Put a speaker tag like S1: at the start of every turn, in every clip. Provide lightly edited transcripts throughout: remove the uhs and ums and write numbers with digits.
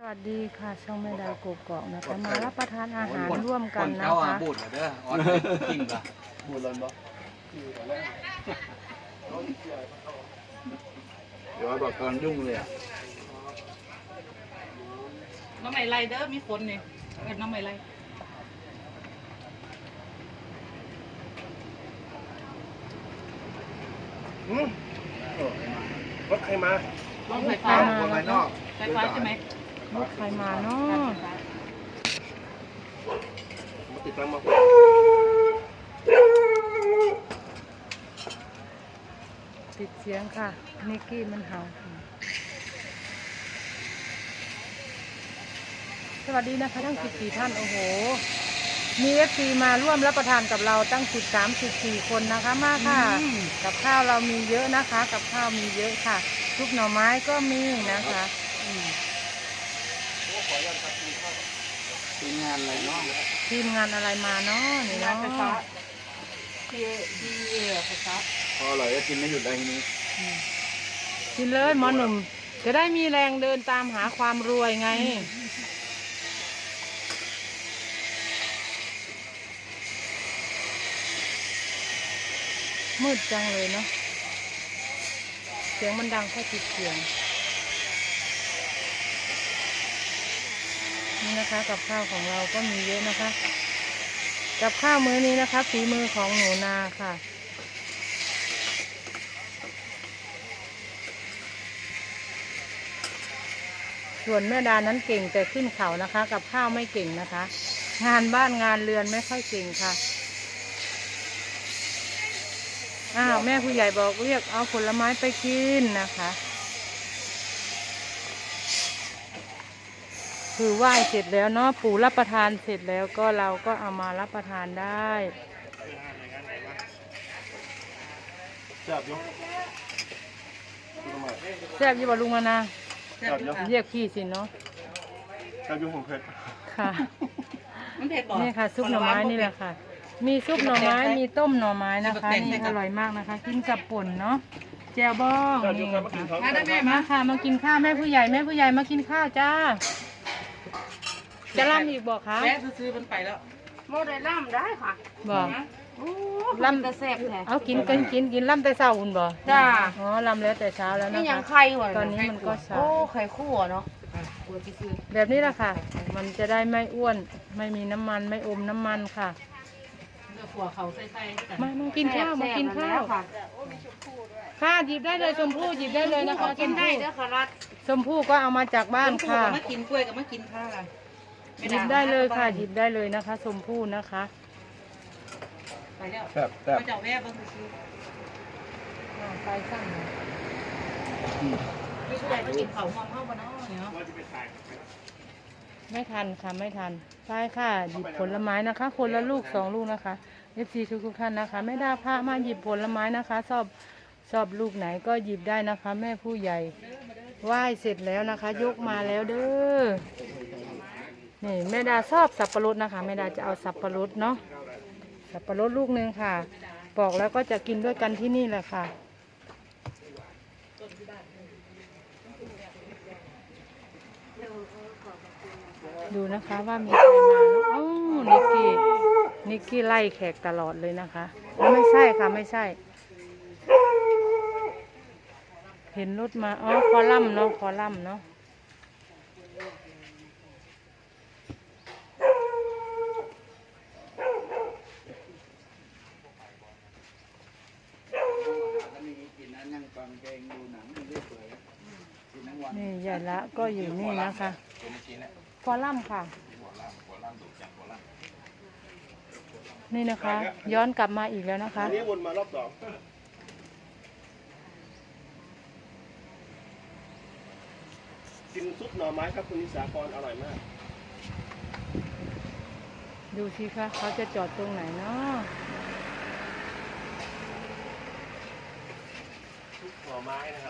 S1: วัสดีค่ะช่องแม่ดาวกกอกนะคะมารับประทานอาหารร่วมกันนะคะ
S2: บูดเด้อออนจริงป่ะบูดเลยบ่เดี๋ยวบอกตอนยุ่งเลยอ่ะ
S3: น้ำไหลไรเด้อมีคนนี่น้ำไหลไร
S4: รถใครมาร
S3: ถไฟฟ้า
S2: คนภายนอก
S3: ไฟฟ้าใช่ไหม
S1: รถใครมาเนาะ
S4: มาติดตั้งมา
S1: ปิดเสียงค่ะนิกกี้มันเห่าสวัสดีนะคะทั้ง14ท่านโอ้โหมีFCมาร่วมรับประทานกับเราตั้ง13-14คนนะคะมาค่ะกับข้าวเรามีเยอะนะคะกับข้าวมีเยอะค่ะซุปหน่อไม้ก็มีนะคะ
S2: ทีมงานอะไรเนาะ
S1: ทีมงานอะไรมาเนาะนี่
S3: งาน
S1: เนาะ
S3: ไฟฟ้าที่ไฟฟ้า
S2: พออร่อยก็กินไม่หยุดเลยทีนี้
S1: กินเลยหมอหนุ่มจะได้มีแรงเดินตามหาความรวยไงมืดจังเลยเนาะเสียงมันดังแค่ติดเสียงนี่นะคะกับข้าวของเราก็มีเยอะนะคะกับข้าวมื้อนี้นะคะฝีมือของหนูนาค่ะส่วนแม่ดานั้นเก่งแต่ขึ้นเขานะคะกับข้าวไม่เก่งนะคะงานบ้านงานเรือนไม่ค่อยเก่งค่ะแม่ผู้ใหญ่บอกเรียกเอาผลไม้ไปกินนะคะคือไหว้เสร็จแล้วเนาะปู่รับประทานเสร็จแล้วก็เราก็เอามารับประทานได้
S4: แซ่บยก
S1: แซ่บยี่บอลุงมานะ
S4: แซ่บยก
S1: เรียกพี่สิเนาะ
S4: แซ่บยกของเพชร
S1: ค่ะ
S3: มันเผ็ดบ่
S1: นี่ค่ะซุปหน่อไม้นี่แหละค่ะมีซุปหน่อไม้มีต้มหน่อไม้นะคะนี่อร่อยมากนะคะกินกับป่นเนาะแจ่วบ้องนี่ค่ะ
S3: มาได้ไหม
S1: มาค่ะมากินข้าวแม่ผู้ใหญ่มากินข้าวจ้าจะล่ำอีกบอกคะ
S3: แม่ซื้อมันไปแล้วโมได้ล่ำได้ค่ะ
S1: บอก
S3: ล่ำจะแซ่บแท้
S1: เอากินล่ำแต่เช้าอุ่นบ่
S3: จ้า
S1: อ๋อล่ำแล้วแต่เช้าแล้ว
S3: นี่
S1: นะ
S3: ยัง
S1: คะ
S3: ไข่หวาน
S1: ตอนนี้มันก็เช้า
S3: โอ้ไข่คั่วเนาะ
S1: แบบนี้แหละค่ะ มันจะได้ไม่อ้วนไม่มีน้ำมันไม่อมน้ำมันค่ะ
S3: ขัวเขาใส่กัน
S1: มากินข้าวมากินข้าวค่ะหยิบได้เลยชมพู่หยิบได้เลยนะคะ
S3: กินได้เด้อค่ะรัด
S1: ชมพู่ก็เอามาจากบ้านค่ะ
S3: มากินกล้วยกับมากินข้าว
S1: หยิบได้เลยค่ะหยิบได้เลยนะคะชมพู่นะคะ
S3: ไปแล้ว
S4: แซ่บแซ่บ
S3: มาเจ้าแม่บ้างซื้อ
S1: ไฟสั้น
S3: ไม่ใช่มากินเขาหอมเข้าบ้านเนาะ
S1: ไม่ทันค่ะไม่ทันใช่ค่ะหยิบผลไม้นะคะ คนละลูก2 ลูกนะคะ FC ทุกท่านนะคะไม่ได้พามาหยิบผลไม้นะคะชอบลูกไหนก็หยิบได้นะคะ แม่ผู้ใหญ่ไหว้เสร็จแล้วนะคะ ยกมาแล้วเด้อนี่แม่ดาชอบสับปะรดนะคะแม่ดาจะเอาสับปะรดเนาะสับปะรดลูกนึงค่ะปอกแล้วก็จะกินด้วยกันที่นี่แหละค่ะดูนะคะว่ามีใครมาเอ้านิกกี้ไล่แขกตลอดเลยนะคะไม่ใช่ค่ะไม่ใช่เห็นรถมาอ๋อคอลัมน์เนาะคอลัมน์เนาะนี่ใหญ่ละก็อยู่นี่นะคะคอลัมน์ค่ะนี่นะคะ ย้อนกลับมาอีกแล้วนะคะ
S4: อันนี้วนมารอบสองกินซุปหน่อไม้ครับคุณนิสาพรอร่อยมาก
S1: ดูสิคะเขาจะจอดตรงไหนเนาะ
S4: ซุปหน่อไม้นะครับ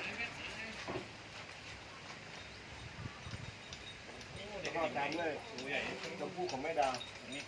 S4: แล้วก็ตามด้วยชมพู่ของแม่ดาว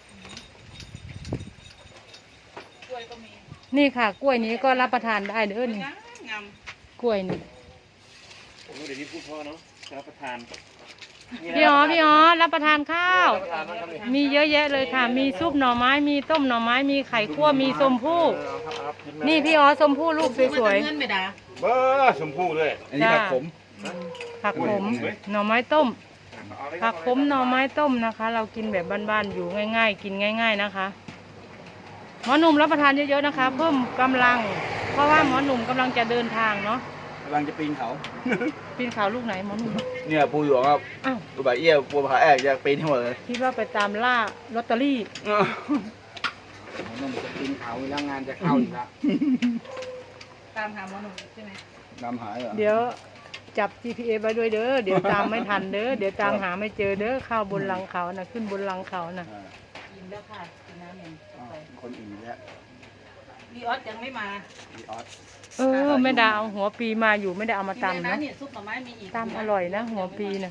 S3: กล้วยก็มี
S1: นี่ค่ะ กล้วยนี้ก็รับประทานได้เด้อนี่
S3: งาม
S1: กล้วยนี่
S4: ผมเดี๋ยวนี้พูดพ่อเนาะรับประทาน
S1: พี่อ๋อรับประทานข้าว มีเยอะแยะเลยค่ะ มีซุปหน่อไม้ มีต้มหน่อไม้ มีไข่คั่ว มีส้มพู่ นี่พี่อ๋อส้มพู่ลูกสวย
S3: เงินไม่ได้
S4: เบอร์ชมพูด้วย
S2: อันนี้ผักขม
S1: ๆผักขม หน่อไม้ต้ม ผักขมหน่อไม้ต้มนะคะ เรากินแบบบ้านๆอยู่ง่ายๆ กินง่าย ๆนะคะ หมอหนุ่มรับประทานเยอะๆนะคะ เพิ่มกำลัง เพราะว่าหมอหนุ่มกำลังจะเดินทางเนาะ
S2: กำลังจะปีนเขา
S1: ปีนเขาลูกไหนหมอหนุ่ม
S2: เนี่ยปูหยวกครับ
S1: อ้าว
S2: ตัวใบเอี้ยปูผาแอกจะปีนให้หมดเลย
S1: คิดว่าไปตามล่าลอตเตอรี่
S2: มันจะปีนเขาแล้วงานจะเข้าอีกแล้ว
S3: ตามหาหมอหนุ่มใช่ไหม
S2: นำหายเหรอ
S1: เดี๋ยวจับ GPS ไว้ด้วยเด้อ เดี๋ยวตามไม่ทันเด้อ เดี๋ยวตามหาไม่เจอเด้อ เข้าบนหลังเขานะขึ้นบนหลังเขานะ
S3: กินแล้วค่ะกินน้ำหนึ่ง
S2: คนอื่นแล้ว
S3: วีออสยังไม่มา
S2: พี่ออส
S1: เออไม่ได้เอาหัวปีมาอยู่ไม่ได้เอามา
S3: กินเลย
S1: ตำ
S3: นะ
S1: นะ
S3: เนี่ยซุปหน่อไม้มีอีก
S1: ตำอร่อยนะหัวปีนะ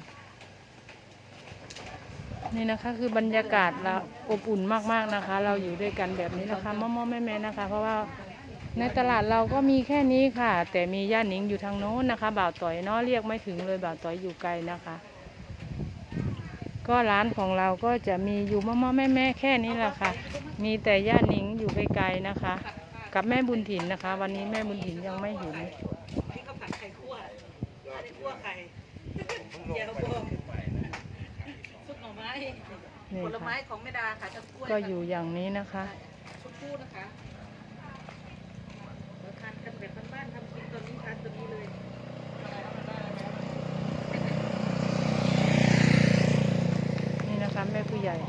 S1: นี่นะคะคือบรรยากาศเราอบอุ่นมากๆนะคะ เราอยู่ด้วยกันแบบนี้นะคะม่อๆแม่ๆนะคะ เพราะว่าในตลาดเราก็มีแค่นี้ค่ะ แต่มีย่าหนิงอยู่ทางโน้นนะคะบ่าวต่อยเนาะเรียกไม่ถึงเลยบ่าวต่อยอยู่ไกลนะคะ ก็ร้านของเราก็จะมีอยู่ม่อๆแม่ๆแค่นี้แหละค่ะ มีแต่ย่าหนิงอยู่ไกลๆนะคะ กับแม่บุญถิ่นนะคะ วันนี้แม่บุญถิ่นยังไม่เห็น
S3: นี่ก็ผัดไข่คั่วอันนี้คั่วไข่เจียวบองซุปหน่อไม้
S1: นี่
S3: ผลไม้
S1: ค่ะ
S3: ของแม่ดาค่ะจะกล้วย
S1: ก็อยู่อย่างนี้นะคะ
S3: ชุดคู่นะคะเราทานกันแบบบ้านๆทำกินตัวนี้ทานตัวนี้เลย
S1: นี่นะคะแม่ผู้ใหญ่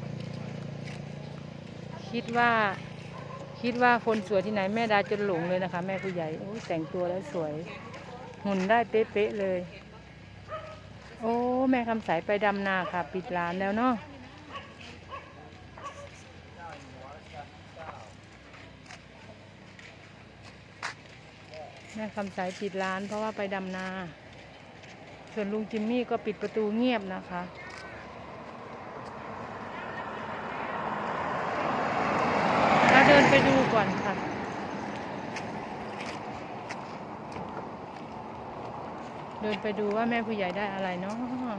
S1: คิดว่าคนสวยที่ไหนแม่ดาจนหลงเลยนะคะ แม่ผู้ใหญ่โอ้ยแต่งตัวแล้วสวย หุ่นได้เป๊ะๆเลย โอ้แม่คำใสไปดำนาค่ะ ปิดร้านแล้วเนาะแม่คำใสปิดร้านเพราะว่าไปดำนา ส่วนลุงจิมมี่ก็ปิดประตูเงียบนะคะมาเดินไปดูก่อนค่ะ เดินไปดูว่าแม่ผู้ใหญ่ได้อะไรเนาะ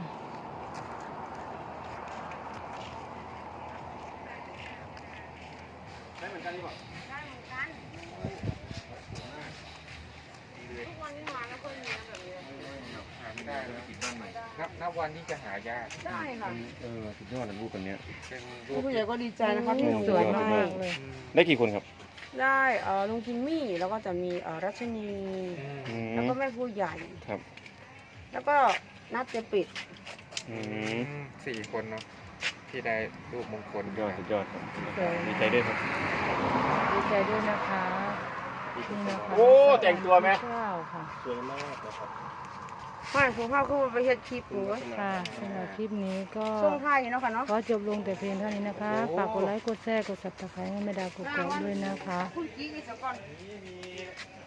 S5: นับวันที่จะหายาก
S6: ได้ค่ะ
S4: สุดยอดเลยรูปอันเนี้ย
S5: เป็นรู
S6: ผู้
S5: ป
S6: ใหญ่ก็ดีใจนะคะที่ลุง
S1: สวย
S6: ได้
S1: มากๆเลย
S4: ได้กี่คนครับ
S6: ได้ลุงจิมมี่แล้วก็จะมีรัชนี แล้วก็แม่ผู้ใหญ่
S4: ครับ
S6: แล้วก็นัดจะปิด
S5: สี่คนเนาะที่ได้รูปมงคล
S4: สุดยอดสุดยอดครับ
S1: สวย
S4: ดีใจด้วยครับ
S1: ดีใจด้วยนะคะนี่นะคะ
S2: โอ้แต่งตัวไหม
S1: ข้าวค่ะ
S4: สวยมากนะครับ
S6: ไม่ผมเข้าขึ้นไปเฮ็ดคลิปหนู
S1: ค่ะสำหรับคลิปนี้ก็
S6: ช่วงท้ายเนาะค่ะเนาะ
S1: ขอจบลงแต่เพียงเท่านี้นะคะ ฝากกดไลค์ กดแชร์ กด subscribe ให้แม่ดาวกดกดด้วยนะคะ
S6: คุณกี้กันสักก่อน